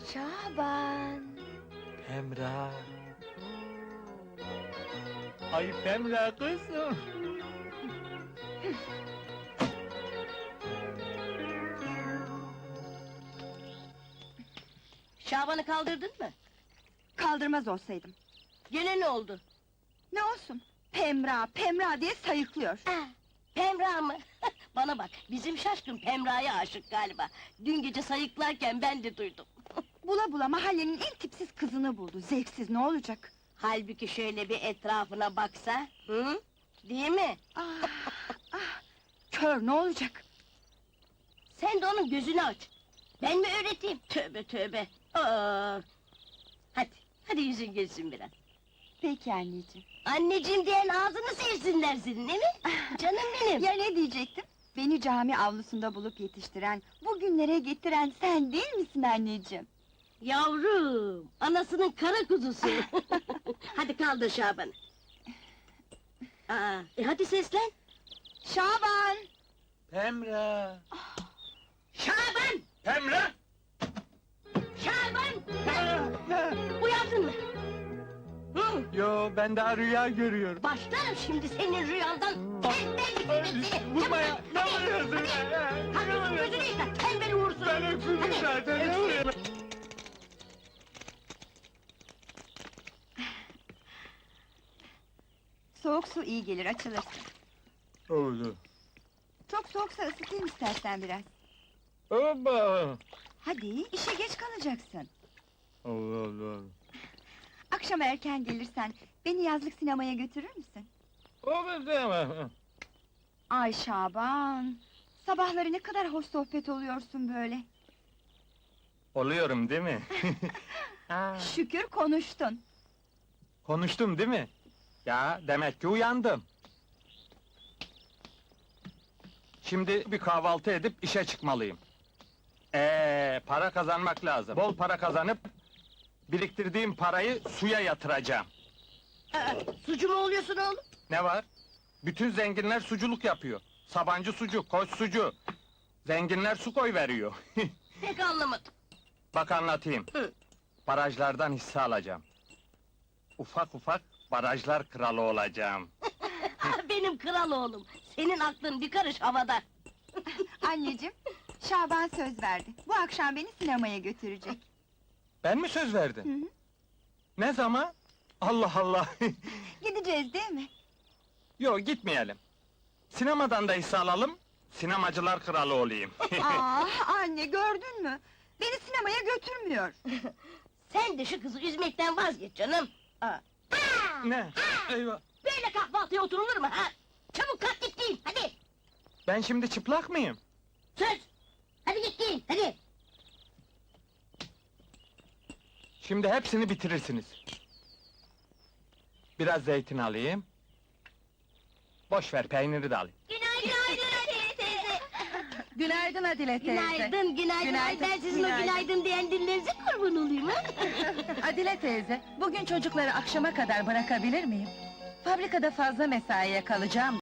Şaban! Pemra. Ay Pemra kızım. Şaban'ı kaldırdın mı? Kaldırmaz olsaydım. Gene ne oldu? Ne olsun? Pemra, Pemra diye sayıklıyor. Pemra mı? Bana bak, bizim şaşkın Pemra'ya aşık galiba. Dün gece sayıklarken ben de duydum. Bula bula mahallenin en tipsiz kızını buldu. Zevksiz ne olacak? Halbuki şöyle bir etrafına baksa, hı? Değil mi? Ah, ah, kör ne olacak? Sen de onun gözünü aç. Ben mi öğreteyim? Tövbe tövbe! Aa! Hadi yüzün gülsün biraz. Peki anneciğim. Anneciğim diyen ağzını sevsinler senin, değil mi? Canım benim! Ya ne diyecektim? Beni cami avlusunda bulup yetiştiren, bugünlere getiren sen değil misin anneciğim? Yavrum, anasının kara kuzusu! Hadi kaldır Şaban'ı! Hadi seslen! Şaban! Pemra. Şaban! Pemra. Şaban! Uyandın mı? Hı? Yo, ben daha rüya görüyorum. Başlarım şimdi senin rüyandan! Tembel bir seni! Vurma ya, ne vuruyorsun? Hadi gözünü yıka, tembel uğursuz! Ben öksürdüm zaten, ne vuruyorsun? Soğuk su iyi gelir, açılırsın. Oldu. Çok soğuksa ısıtayım istersen biraz. Hoppa! Hadi, işe geç kalacaksın. Allah Allah! Akşam erken gelirsen, beni yazlık sinemaya götürür müsün? Olur demem. Ay Şaban! Sabahları ne kadar hoş sohbet oluyorsun böyle. Oluyorum değil mi? Ha, Şükür konuştun. konuştum değil mi? Ya, demek ki uyandım. Şimdi bir kahvaltı edip işe çıkmalıyım. Para kazanmak lazım. Bol para kazanıp, biriktirdiğim parayı suya yatıracağım. Sucu mu oluyorsun oğlum? Ne var? Bütün zenginler suculuk yapıyor. Sabancı sucu, Koç sucu. Zenginler su koy veriyor. Pek anlamadım. Bak anlatayım. Hı. Barajlardan hisse alacağım. Ufak ufak barajlar kralı olacağım. Benim kral oğlum! Senin aklın bir karış havada! Anneciğim, Şaban söz verdi. Bu akşam beni sinemaya götürecek. Ben mi söz Hı verdim? hı. Ne zaman? Allah Allah! Gideceğiz değil mi? Yo, gitmeyelim. Sinemadan da hisse alalım, sinemacılar kralı olayım. Ah anne, gördün mü? Beni sinemaya götürmüyor. Sen de şu kızı üzmekten vazgeç canım! Ne? Eyvah! Böyle kahvaltıya oturulur mu ha? Çabuk kalk git giyin, hadi! Ben şimdi çıplak mıyım? Söz! Hadi git giyin, hadi! Şimdi hepsini bitirirsiniz. Biraz zeytin alayım. Boş ver, peyniri de alayım. Günaydın Adile teyze! Günaydın Adile Günaydın, günaydın! Ay ben sizin o günaydın diyen dillerinize kurban olayım ha! Adile teyze, bugün çocukları akşama kadar bırakabilir miyim? Fabrikada fazla mesaiye kalacağım.